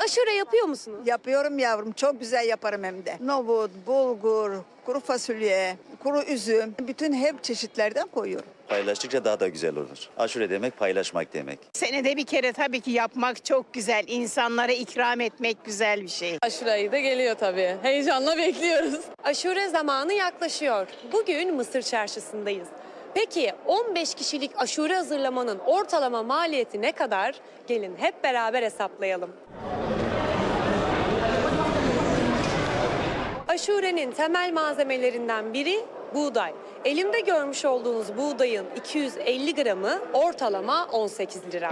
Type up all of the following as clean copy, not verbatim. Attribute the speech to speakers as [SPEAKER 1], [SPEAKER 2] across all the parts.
[SPEAKER 1] Aşure yapıyor musunuz?
[SPEAKER 2] Yapıyorum yavrum. Çok güzel yaparım hem de. Nohut, bulgur, kuru fasulye, kuru üzüm. Bütün hep çeşitlerden koyuyorum.
[SPEAKER 3] Paylaştıkça daha da güzel olur. Aşure demek paylaşmak demek.
[SPEAKER 4] Senede bir kere tabii ki yapmak çok güzel. İnsanlara ikram etmek güzel bir şey.
[SPEAKER 5] Aşure ayı da geliyor tabii. Heyecanla bekliyoruz.
[SPEAKER 1] Aşure zamanı yaklaşıyor. Bugün Mısır Çarşısı'ndayız. Peki 15 kişilik aşure hazırlamanın ortalama maliyeti ne kadar? Gelin hep beraber hesaplayalım. Aşurenin temel malzemelerinden biri buğday. Elimde görmüş olduğunuz buğdayın 250 gramı ortalama 18 lira.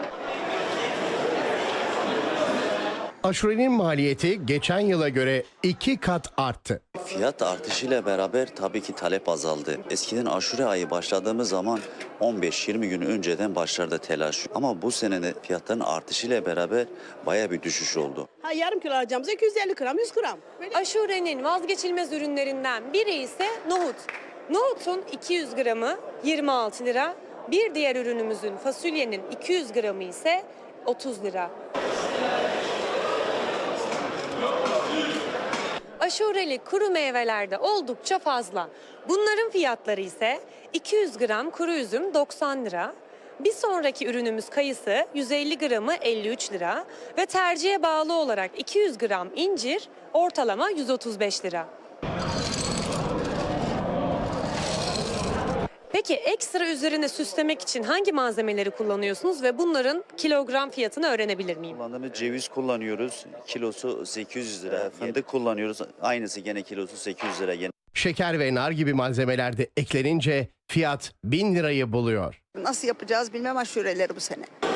[SPEAKER 6] Aşurenin maliyeti geçen yıla göre 2 kat arttı.
[SPEAKER 3] Fiyat artışıyla beraber tabii ki talep azaldı. Eskiden aşure ayı başladığımız zaman 15-20 gün önceden başlardı telaş. Ama bu sene de fiyatların artışıyla beraber baya bir düşüş oldu.
[SPEAKER 7] Yarım kilo alacağımıza 250 gram, 100 gram.
[SPEAKER 1] Aşurenin vazgeçilmez ürünlerinden biri ise nohut. Nohutun 200 gramı 26 lira. Bir diğer ürünümüzün fasulyenin 200 gramı ise 30 lira. Aşureli kuru meyvelerde oldukça fazla. Bunların fiyatları ise 200 gram kuru üzüm 90 lira. Bir sonraki ürünümüz kayısı 150 gramı 53 lira ve tercihe bağlı olarak 200 gram incir ortalama 135 lira. Peki ekstra üzerine süslemek için hangi malzemeleri kullanıyorsunuz ve bunların kilogram fiyatını öğrenebilir miyim?
[SPEAKER 3] Kullandığımız ceviz kullanıyoruz. Kilosu 800 lira. Fındık kullanıyoruz. Aynısı gene kilosu 800 lira.
[SPEAKER 6] Şeker ve nar gibi malzemeler de eklenince fiyat 1000 lirayı buluyor.
[SPEAKER 2] Nasıl yapacağız bilmem aşureleri bu sene.